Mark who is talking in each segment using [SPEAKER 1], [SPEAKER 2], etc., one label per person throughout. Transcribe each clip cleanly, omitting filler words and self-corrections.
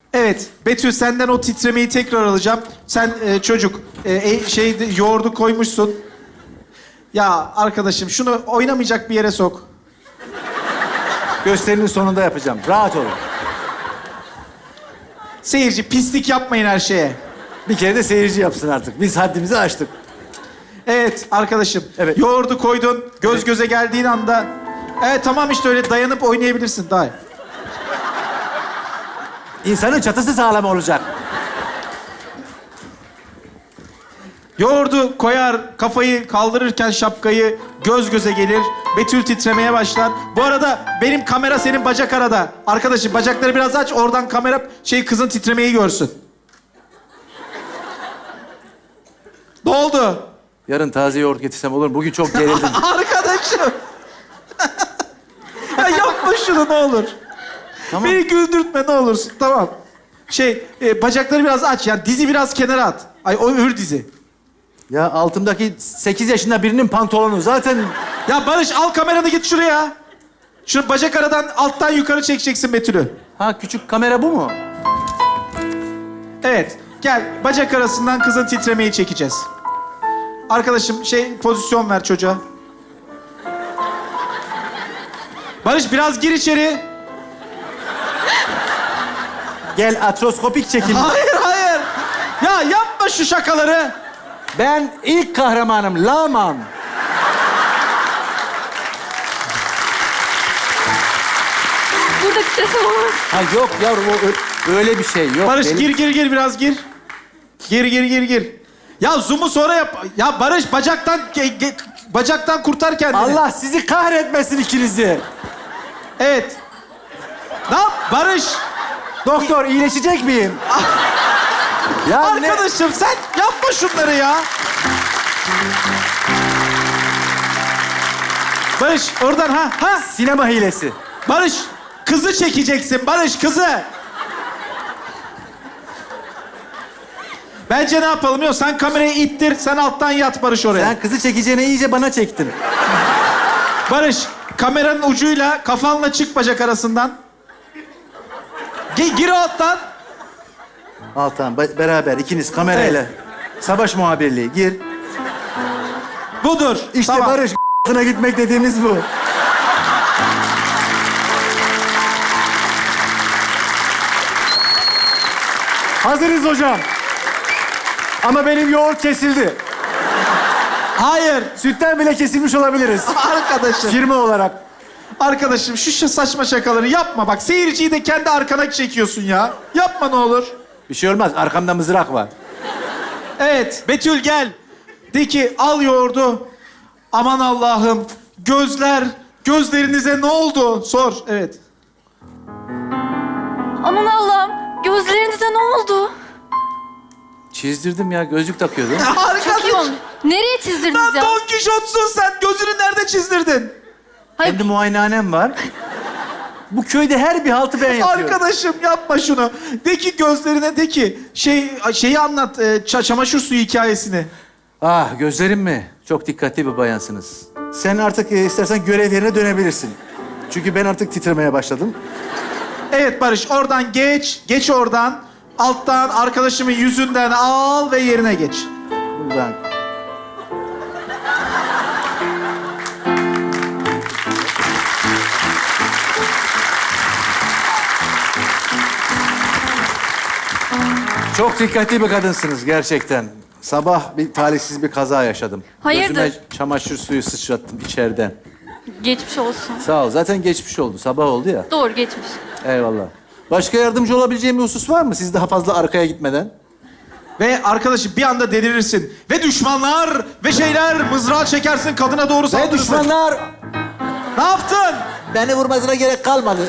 [SPEAKER 1] Evet, Betül senden o titremeyi tekrar alacağım. Sen çocuk, yoğurdu koymuşsun. Ya arkadaşım şunu oynamayacak bir yere sok.
[SPEAKER 2] Gösterinin sonunda yapacağım. Rahat olun.
[SPEAKER 1] Seyirci pislik yapmayın her şeye.
[SPEAKER 2] Bir kere de seyirci yapsın artık. Biz haddimizi aştık.
[SPEAKER 1] Evet arkadaşım.
[SPEAKER 2] Evet.
[SPEAKER 1] Yoğurdu koydun, göz göze geldiğin anda... Evet tamam işte öyle dayanıp oynayabilirsin daha.
[SPEAKER 2] İnsanın çatısı sağlam olacak.
[SPEAKER 1] Yoğurdu koyar, kafayı kaldırırken şapkayı göz göze gelir. Betül titremeye başlar. Bu arada benim kamera senin bacak arada. Arkadaşım bacakları biraz aç, oradan kamera kızın titremeyi görsün. Ne oldu?
[SPEAKER 2] Yarın taze yoğurt getirsem olur mu? Bugün çok gerildim.
[SPEAKER 1] Arkadaşım. Ya yapma şunu ne olur.
[SPEAKER 2] Tamam.
[SPEAKER 1] Beni güldürtme ne olursun. Tamam. Bacakları biraz aç. Yani dizi biraz kenara at. Ay o ür dizi.
[SPEAKER 2] Ya altımdaki 8 yaşında birinin pantolonu zaten...
[SPEAKER 1] Ya Barış al kameranı git şuraya. Şu bacak aradan alttan yukarı çekeceksin Betül'ü.
[SPEAKER 2] Ha küçük kamera bu mu?
[SPEAKER 1] Evet. Gel bacak arasından kızın titremeyi çekeceğiz. Arkadaşım pozisyon ver çocuğa. Barış biraz gir içeri.
[SPEAKER 2] Gel atroskopik çekim.
[SPEAKER 1] Hayır hayır. Ya yapma şu şakaları.
[SPEAKER 2] Ben ilk kahramanım Laman.
[SPEAKER 3] Burada titresen olur.
[SPEAKER 2] Ha yok yavrum öyle bir şey yok.
[SPEAKER 1] Barış
[SPEAKER 2] Benim-
[SPEAKER 1] gir biraz gir. Gir. Ya zoom'u sonra yap. Ya Barış bacaktan kurtar kendini.
[SPEAKER 2] Allah sizi kahretmesin ikinizi.
[SPEAKER 1] Evet. Ne yap Barış?
[SPEAKER 2] Doktor iyileşecek miyim? Ya ne?
[SPEAKER 1] Arkadaşım sen yapma şunları ya. Barış oradan ha.
[SPEAKER 2] Sinema hilesi.
[SPEAKER 1] Barış kızı çekeceksin Barış kızı. Bence ne yapalım biliyor musun? Sen kamerayı ittir, sen alttan yat Barış oraya.
[SPEAKER 2] Sen kızı çekeceğine iyice bana çektin.
[SPEAKER 1] Barış, kameranın ucuyla kafanla çık bacak arasından. Gir alttan.
[SPEAKER 2] Altan beraber ikiniz kamerayla. Savaş muhabirliği gir.
[SPEAKER 1] Budur.
[SPEAKER 2] İşte
[SPEAKER 1] Tamam.
[SPEAKER 2] Barış gitmek dediğimiz bu. Hazırız hocam. Ama benim yoğurt kesildi.
[SPEAKER 1] Hayır.
[SPEAKER 2] Sütten bile kesilmiş olabiliriz.
[SPEAKER 1] Arkadaşım.
[SPEAKER 2] Firma olarak.
[SPEAKER 1] Arkadaşım şu saçma şakaları yapma bak. Seyirciyi de kendi arkana çekiyorsun ya. Yapma ne olur.
[SPEAKER 2] Bir şey olmaz. Arkamda mızrak var.
[SPEAKER 1] Evet, Betül gel. De ki al yoğurdu. Aman Allah'ım. Gözlerinize ne oldu? Sor. Evet.
[SPEAKER 3] Aman Allah'ım, gözlerinize ne oldu?
[SPEAKER 2] Çizdirdim ya. Gözlük takıyordum.
[SPEAKER 3] Çok iyi olmuş. Nereye çizdirdiniz
[SPEAKER 1] Lan
[SPEAKER 3] ya?
[SPEAKER 1] Don Kişot'sun sen. Gözünü nerede çizdirdin?
[SPEAKER 3] Hayır,
[SPEAKER 2] Kendi muayenehanem var. Bu köyde her bir haltı ben yapıyorum.
[SPEAKER 1] Arkadaşım yapma şunu. De ki gözlerine de ki şeyi anlat. Çamaşır suyu hikayesini.
[SPEAKER 2] Ah gözlerim mi? Çok dikkatli bir bayansınız. Sen artık istersen görev yerine dönebilirsin. Çünkü ben artık titremeye başladım.
[SPEAKER 1] Evet Barış oradan geç. Geç oradan. Alttan arkadaşımın yüzünden al ve yerine geç.
[SPEAKER 2] Buradan. Çok dikkatli bir kadınsınız gerçekten. Sabah bir talihsiz bir kaza yaşadım.
[SPEAKER 3] Hayırdır?
[SPEAKER 2] Gözüme çamaşır suyu sıçrattım içeriden.
[SPEAKER 3] geçmiş olsun.
[SPEAKER 2] Sağ ol. Zaten geçmiş oldu. Sabah oldu ya.
[SPEAKER 3] Doğru, geçmiş.
[SPEAKER 2] Eyvallah. Başka yardımcı olabileceğim bir husus var mı? Siz daha fazla arkaya gitmeden.
[SPEAKER 1] Ve arkadaşım bir anda delirirsin. Ve düşmanlar mızrağı çekersin kadına doğru
[SPEAKER 2] Ve
[SPEAKER 1] saldırırsın.
[SPEAKER 2] düşmanlar
[SPEAKER 1] Ne yaptın?
[SPEAKER 2] beni vurmasına gerek kalmadı.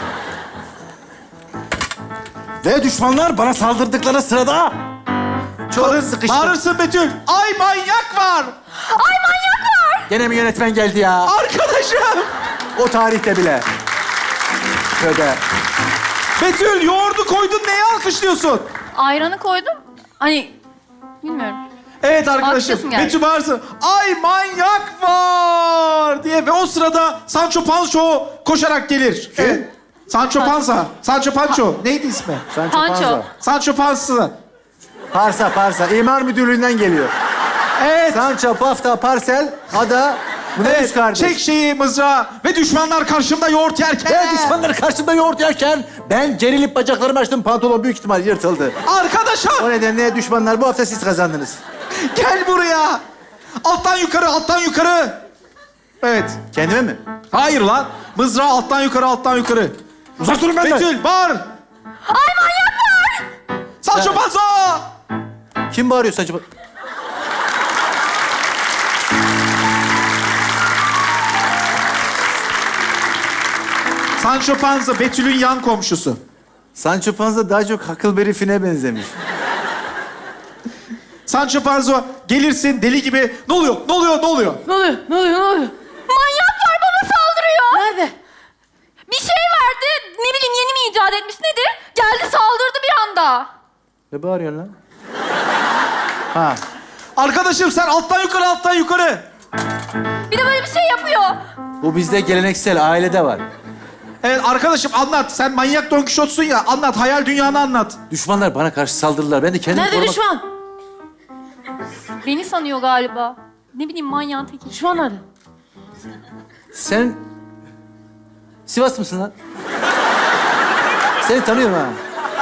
[SPEAKER 2] Ve düşmanlar bana saldırdıkları sırada çok sıkıştım.
[SPEAKER 1] Bağırırsın Betül. Ay manyak var.
[SPEAKER 3] Ay, manyak var!
[SPEAKER 2] Gene mi yönetmen geldi ya?
[SPEAKER 1] Arkadaşım.
[SPEAKER 2] O tarihte bile. Tövbe.
[SPEAKER 1] Betül yoğurdu koydun neye alkışlıyorsun?
[SPEAKER 3] Ayranı koydum. Hani, bilmiyorum.
[SPEAKER 1] Evet
[SPEAKER 3] Haklısın
[SPEAKER 1] arkadaşım.
[SPEAKER 3] yani.
[SPEAKER 1] Betül bağırsın. Ay manyak var diye. Ve o sırada Sancho Pancho koşarak gelir. Evet. Sancho Panza. Sancho Pancho. Neydi ismi?
[SPEAKER 2] Sancho
[SPEAKER 3] Pancho.
[SPEAKER 2] Panza.
[SPEAKER 1] Sancho Panza.
[SPEAKER 2] Parsa. İmar müdürlüğünden geliyor.
[SPEAKER 1] Evet.
[SPEAKER 2] Sancho, Pafta, Parsel, Ada. Bu ne üç
[SPEAKER 1] Evet.
[SPEAKER 2] kardeş?
[SPEAKER 1] Çek şeyi mızrağı ve düşmanlar karşımda yoğurt yerken.
[SPEAKER 2] Ben düşmanları karşımda yoğurt yerken ben gerilip bacaklarımı açtım. Pantolon büyük ihtimal yırtıldı.
[SPEAKER 1] Arkadaşım
[SPEAKER 2] O nedenle düşmanlar bu hafta siz kazandınız.
[SPEAKER 1] gel buraya. Alttan yukarı, alttan yukarı. Evet.
[SPEAKER 2] Kendime mi?
[SPEAKER 1] Hayır lan. Mızrağı alttan yukarı, alttan yukarı.
[SPEAKER 2] Uzak durun benden.
[SPEAKER 1] Betül bağır.
[SPEAKER 3] Ay manyak var!
[SPEAKER 1] Sancho Panza.
[SPEAKER 2] Kim bağırıyor Sancho?
[SPEAKER 1] Sancho Panza Betül'ün yan komşusu.
[SPEAKER 2] Sancho Panza daha çok Huckleberry Finn'e benzemiş.
[SPEAKER 1] Sancho Panza gelirsin deli gibi. Ne oluyor? Ne oluyor? Ne oluyor?
[SPEAKER 4] Ne oluyor? Ne oluyor? Ne oluyor?
[SPEAKER 3] Manyak var bana saldırıyor.
[SPEAKER 4] Nerede?
[SPEAKER 3] Bir şey verdi. Ne bileyim yeni mi icat etmiş nedir? Geldi saldırdı bir anda.
[SPEAKER 2] Ne bağırıyorsun lan? Ha.
[SPEAKER 1] Arkadaşım sen alttan yukarı, alttan yukarı.
[SPEAKER 3] Bir de böyle bir şey yapıyor.
[SPEAKER 2] Bu bizde geleneksel, ailede var.
[SPEAKER 1] Evet arkadaşım anlat. Sen manyak Don Kişot'sun ya. Anlat. Hayal dünyanı anlat.
[SPEAKER 2] Düşmanlar bana karşı saldırdılar. Ben de kendimi
[SPEAKER 4] Nerede
[SPEAKER 2] korumak...
[SPEAKER 4] düşman?
[SPEAKER 3] Beni sanıyor galiba. Ne bileyim manyağın teki.
[SPEAKER 4] Düşman nerede?
[SPEAKER 2] Sen... Sivas mısın lan? Seni tanıyorum ha.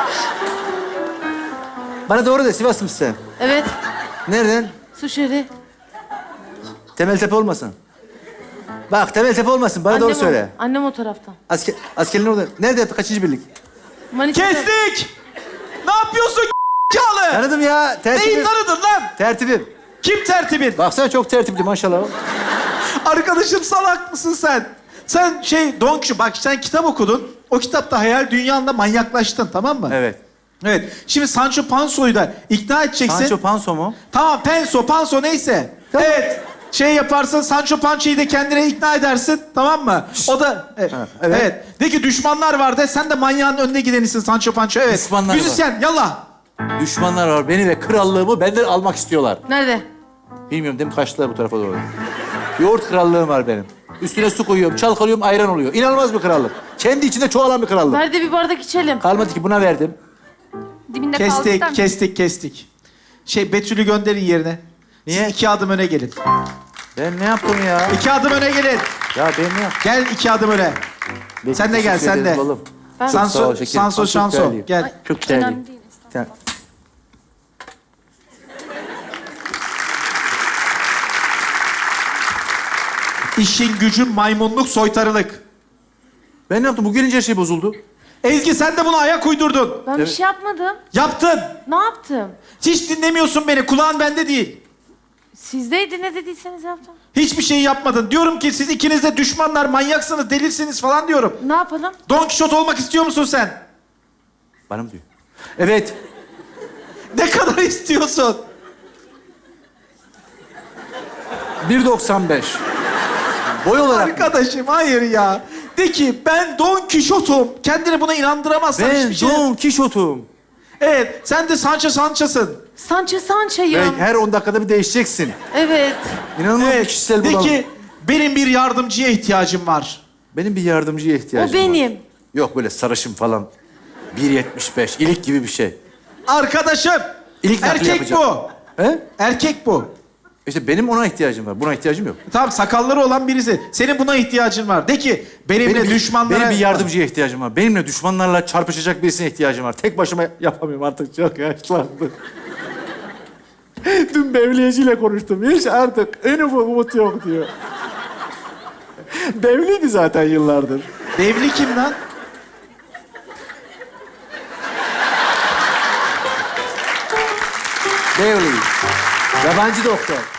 [SPEAKER 2] Bana doğru de, Sivas mısın sen?
[SPEAKER 4] Evet.
[SPEAKER 2] Nereden?
[SPEAKER 4] Suşeri.
[SPEAKER 2] Temeltepe olmasın. Bak, Temeltepe olmasın. Bana doğru söyle.
[SPEAKER 4] Annem o taraftan.
[SPEAKER 2] Askerlerin orada. Nerede? Kaçıncı birlik?
[SPEAKER 4] Manisa'da.
[SPEAKER 1] Kestik. Ne yapıyorsun Çağlı?
[SPEAKER 2] Tanıdım ya.
[SPEAKER 1] Neyi
[SPEAKER 2] Tertibim.
[SPEAKER 1] tanıdın lan?
[SPEAKER 2] Tertibim.
[SPEAKER 1] Kim tertibin?
[SPEAKER 2] Baksana çok tertipli maşallah.
[SPEAKER 1] Arkadaşım salak mısın sen? Sen Don Kişot, bak sen kitap okudun. O kitapta hayal dünyanda manyaklaştın, tamam mı?
[SPEAKER 2] Evet.
[SPEAKER 1] Evet. Şimdi Sancho Panza'yı da ikna edeceksin.
[SPEAKER 2] Sancho Panso mu?
[SPEAKER 1] Tamam, Panso neyse.
[SPEAKER 2] Tamam.
[SPEAKER 1] Evet. Yaparsın, Sancho Pança'yı da kendine ikna edersin, tamam mı? O da... Evet.
[SPEAKER 2] Ha, evet.
[SPEAKER 1] Evet. De ki düşmanlar var de, sen de manyağın önüne gidenisin Sancho Pança. Evet.
[SPEAKER 2] Düşmanlar var.
[SPEAKER 1] Müzisyen, yallah.
[SPEAKER 2] Düşmanlar var. Beni ve krallığımı benden almak istiyorlar.
[SPEAKER 4] Nerede?
[SPEAKER 2] Bilmiyorum değil mi? Kaçtılar bu tarafa doğru. Yoğurt krallığım var benim. Üstüne su koyuyorum, çalkalıyorum, ayran oluyor. İnanılmaz bir krallık. Kendi içinde çoğalan bir krallık.
[SPEAKER 4] Nerede bir bardak içelim?
[SPEAKER 2] Kalmadı ki buna verdim.
[SPEAKER 3] Dibinde kaldı ister misin?
[SPEAKER 1] Kestik. Betül'ü gönderin yerine.
[SPEAKER 2] Niye?
[SPEAKER 1] Siz 2 adım öne gelin.
[SPEAKER 2] Ben ne yaptım ya?
[SPEAKER 1] 2 adım öne gelin.
[SPEAKER 2] Ya ben ne yaptım?
[SPEAKER 1] Gel 2 adım öne. Sen de gel,
[SPEAKER 2] Teşekkür
[SPEAKER 1] sen de.
[SPEAKER 2] ederim balım.
[SPEAKER 4] Ben-
[SPEAKER 2] Çok sağ ol
[SPEAKER 1] Sanso,
[SPEAKER 2] şekerim. Çok
[SPEAKER 1] Şanso.
[SPEAKER 2] değerliyim.
[SPEAKER 1] Gel.
[SPEAKER 2] Çok değerliyim.
[SPEAKER 3] Önemli değil.
[SPEAKER 2] Sen...
[SPEAKER 1] İşin gücün maymunluk, soytarılık.
[SPEAKER 2] Ben ne yaptım? Bu gelince her şey bozuldu.
[SPEAKER 1] Ezgi sen de buna ayak uydurdun.
[SPEAKER 4] Ben bir şey yapmadım.
[SPEAKER 1] Yaptın.
[SPEAKER 4] Ne yaptım?
[SPEAKER 1] Hiç dinlemiyorsun beni. Kulağın bende değil.
[SPEAKER 4] Sizdeydi ne dediyseniz yaptım.
[SPEAKER 1] Hiçbir şey yapmadın. Diyorum ki siz ikiniz de düşmanlar, manyaksınız, delirsiniz falan diyorum.
[SPEAKER 4] Ne yapalım?
[SPEAKER 1] Don Kişot olmak istiyor musun sen?
[SPEAKER 2] Bana mı diyor? Evet.
[SPEAKER 1] Ne kadar istiyorsun?
[SPEAKER 2] 1.95. Boy olarak.
[SPEAKER 1] Arkadaşım hayır ya. De ki ben Don Kişot'um. Kendini buna inandıramazsan
[SPEAKER 2] Ben
[SPEAKER 1] hiçbir şey...
[SPEAKER 2] Don Kişot'um.
[SPEAKER 1] Evet, sen de Sancho'sın.
[SPEAKER 4] Sancho'yım.
[SPEAKER 2] Ve her 10 dakikada bir değişeceksin.
[SPEAKER 4] Evet.
[SPEAKER 2] İnanılmaz bir
[SPEAKER 1] Evet,
[SPEAKER 2] kişisel
[SPEAKER 1] de
[SPEAKER 2] bunalım.
[SPEAKER 1] ki benim bir yardımcıya ihtiyacım var.
[SPEAKER 2] Benim bir yardımcıya ihtiyacım
[SPEAKER 4] O benim.
[SPEAKER 2] var. Yok böyle sarışın falan. 1.75. İlik gibi bir şey.
[SPEAKER 1] Arkadaşım,
[SPEAKER 2] İlk nakli
[SPEAKER 1] erkek
[SPEAKER 2] yapacağım.
[SPEAKER 1] bu.
[SPEAKER 2] He?
[SPEAKER 1] Erkek bu.
[SPEAKER 2] İşte benim ona ihtiyacım var. Buna ihtiyacım yok.
[SPEAKER 1] Tamam, sakalları olan birisi. Senin buna ihtiyacın var. De ki benimle düşmanlara...
[SPEAKER 2] Benim bir yardımcıya ihtiyacım var. Benimle düşmanlarla çarpışacak birisine ihtiyacım var. Tek başıma yapamıyorum artık. Çok yaşlandım. Dün Bevliyeciyle konuştum. Hiç artık en ufak umut yok diyor. Bevliydi zaten yıllardır.
[SPEAKER 1] Devli kim lan?
[SPEAKER 2] Bevli. Yabancı doktor.